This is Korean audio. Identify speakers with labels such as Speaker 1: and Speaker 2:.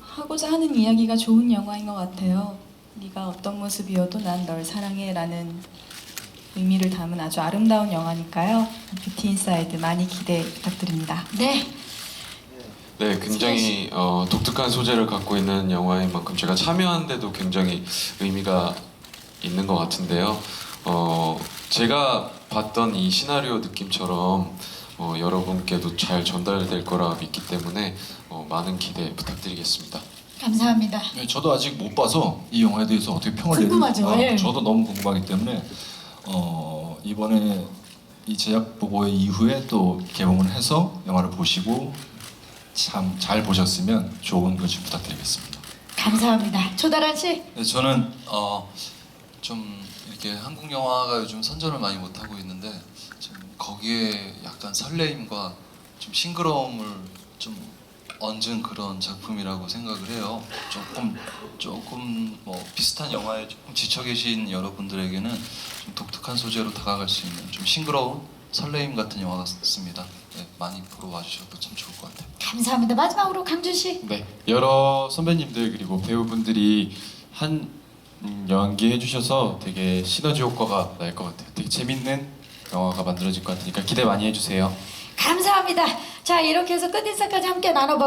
Speaker 1: 하고자 하는 이야기가 좋은 영화인 것 같아요. 네가 어떤 모습이어도 난 널 사랑해라는 의미를 담은 아주 아름다운 영화니까요. 뷰티 인사이드 많이 기대 부탁드립니다.
Speaker 2: 네.
Speaker 3: 네, 굉장히 독특한 소재를 갖고 있는 영화인 만큼 제가 참여한데도 굉장히 의미가 있는 것 같은데요. 제가 봤던 이 시나리오 느낌처럼 여러분께도 잘 전달될 거라 믿기 때문에 많은 기대 부탁드리겠습니다.
Speaker 2: 감사합니다.
Speaker 4: 네, 저도 아직 못 봐서 이 영화에 대해서 어떻게 평을
Speaker 2: 궁금하죠, 예.
Speaker 4: 저도 너무 궁금하기 때문에 이번에 이 제작 보고 이후에 또 개봉을 해서 영화를 보시고 참 잘 보셨으면 좋은 글씨 부탁드리겠습니다.
Speaker 2: 감사합니다. 조다란 씨.
Speaker 5: 네, 저는 좀 이렇게 한국 영화가 요즘 선전을 많이 못 하고 있는데 좀 거기에 약간 설레임과 좀 싱그러움을 좀 얹은 그런 작품이라고 생각을 해요. 조금 뭐 비슷한 영화에 조금 지쳐 계신 여러분들에게는 좀 독특한 소재로 다가갈 수 있는 좀 싱그러운 설레임 같은 영화 같습니다. 네, 많이 보러 와주셔도 참 좋을 것 같아요.
Speaker 2: 감사합니다. 마지막으로 강준 씨.
Speaker 6: 네, 여러 선배님들 그리고 배우분들이 한 연기 해주셔서 되게 시너지 효과가 날 것 같아요. 되게 재밌는 영화가 만들어질 것 같으니까 기대 많이 해주세요.
Speaker 2: 감사합니다. 자, 이렇게 해서 끝인사까지 함께 나눠봤